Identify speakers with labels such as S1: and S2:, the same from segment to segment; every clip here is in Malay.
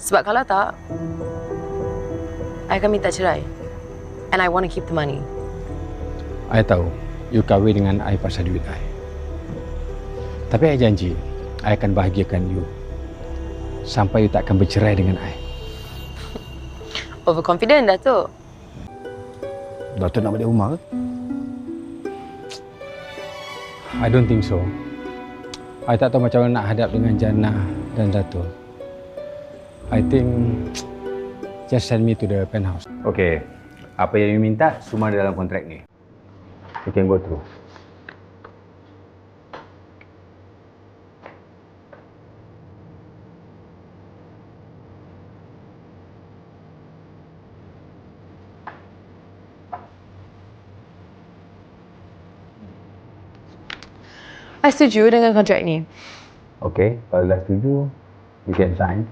S1: Sebab kalau tak, I akan minta cerai. And I want to keep the money.
S2: I tahu you kahwin dengan I pasal duit I. Tapi I janji, I akan bahagiakan you sampai you tak akan bercerai dengan I.
S1: Overconfident, Datuk.
S2: Datuk nak balik rumah ke? I don't think so. I tak tahu macam mana nak hadap dengan Jannah dan Datuk. I think just send me to the penthouse. Okay, apa yang you minta semua dalam kontrak ni. You can go through.
S1: I setuju dengan kontrak ni.
S2: Okay, kalau dah setuju, you can sign.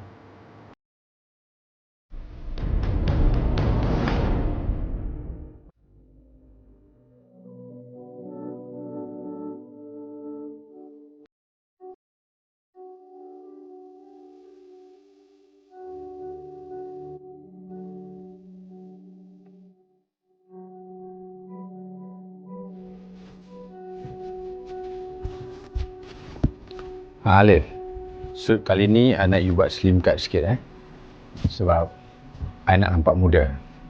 S2: Alif, suit kali ni I nak you buat slim cut sikit sebab I nak nampak muda.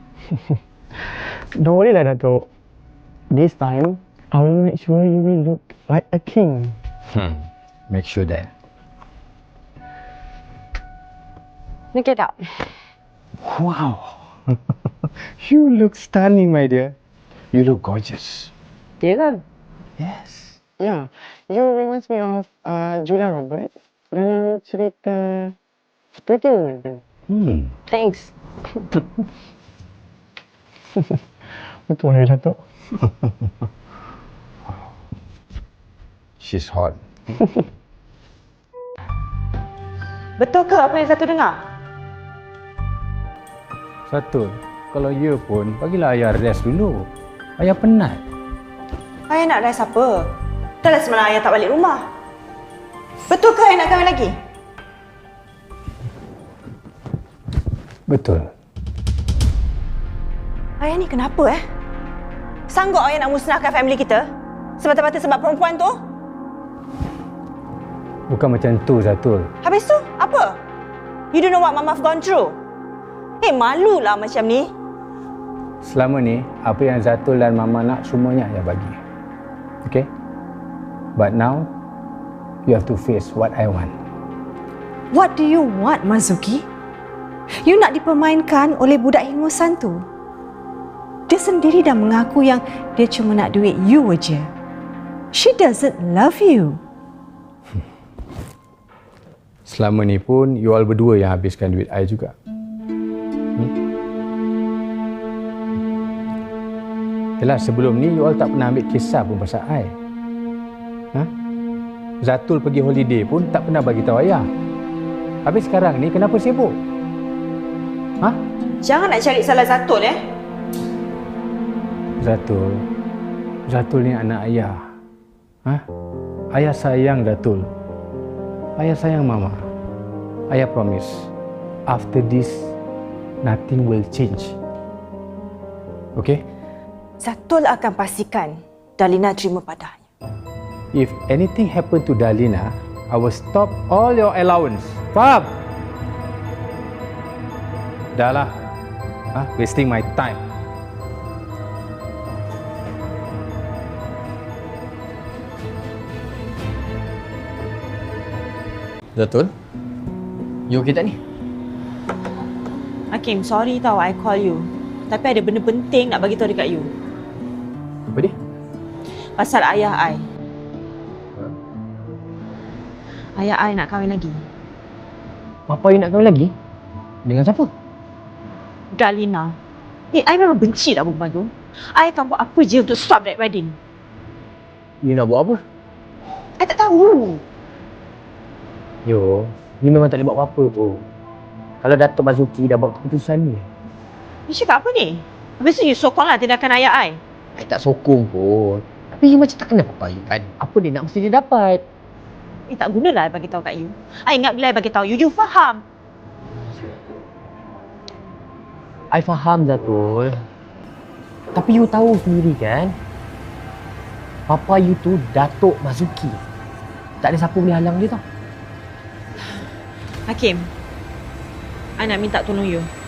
S3: Don't worry lah, Datuk. This time, I will make sure you will look like a king.
S2: Make sure that.
S1: Look it up.
S2: Wow. You look stunning, my dear. You look gorgeous.
S1: Ya kan?
S2: Yes.
S3: Yeah, you reminds me of Julia Roberts dalam cerita Pretty Woman.
S1: Thanks.
S3: Betul ya, Datuk.
S2: She's hot.
S4: Betul ke apa yang Satu dengar?
S2: Satu, kalau you pun, bagilah ayah rest dulu. Ayah penat.
S4: Ayah nak rest apa? Dah lah semalam ayah tak balik rumah. Betul ke ayah nak kahwin lagi?
S2: Betul.
S4: Ayah ni kenapa Sanggup ayah nak musnahkan family kita? Semata-mata sebab perempuan tu?
S2: Bukan macam tu, Zatul.
S4: Habis tu, apa? You don't know what Mama's gone through? Malulah macam ni.
S2: Selama ni, apa yang Zatul dan Mama nak, semuanya ayah bagi. Okay? But now, you have to face what I want.
S4: What do you want, Mazuki? You nak dipermainkan oleh budak hingusan tu? Dia sendiri dah mengaku yang dia cuma nak duit you aja. She doesn't love you.
S2: Selama ni pun, you all berdua yang habiskan duit I juga. Yelah, sebelum ni, you all tak pernah ambil kisah pun pasal I. Zatul pergi holiday pun tak pernah bagi tahu ayah. Habis sekarang ni kenapa sibuk?
S4: Jangan nak cari salah Zatul
S2: Zatul ni anak ayah. Ayah sayang Zatul. Ayah sayang Mama. Ayah promise, after this, nothing will change. Okay?
S4: Zatul akan pastikan Dalina terima padanya.
S2: If anything happen to Dalina, I will stop all your allowance. Faham? Dah lah. Wasting my time.
S5: Zatul? You okay tak ni?
S4: Hakim, sorry tau I call you. Tapi ada benda penting nak bagi tahu dekat you.
S2: Apa dia?
S4: Pasal ayah I. Ayah I nak kahwin lagi.
S3: Bapa you nak kahwin lagi? Dengan siapa?
S4: Dalina. I memang benci tak perempuan tu. I akan buat apa je untuk stop that wedding.
S3: You nak buat apa?
S4: I tak tahu.
S3: Yo, you memang tak boleh buat apa-apa pun. Kalau Datuk Mazuki dah buat keputusan ni.
S4: You cakap apa ni? Habis tu you sokonglah tindakan ayah I.
S3: I tak sokong pun. Tapi you macam tak kenal papa you kan? Apa dia nak mesti dia dapat.
S4: Tak gunalah I bagi tahu kat you. I ingat bila I bagi tahu you, you faham.
S5: I faham Datul. Tapi you tahu sendiri kan, Papa you tu Datuk Mazuki. Tak ada siapa boleh halang dia tau.
S1: Hakim, I nak minta tolong you.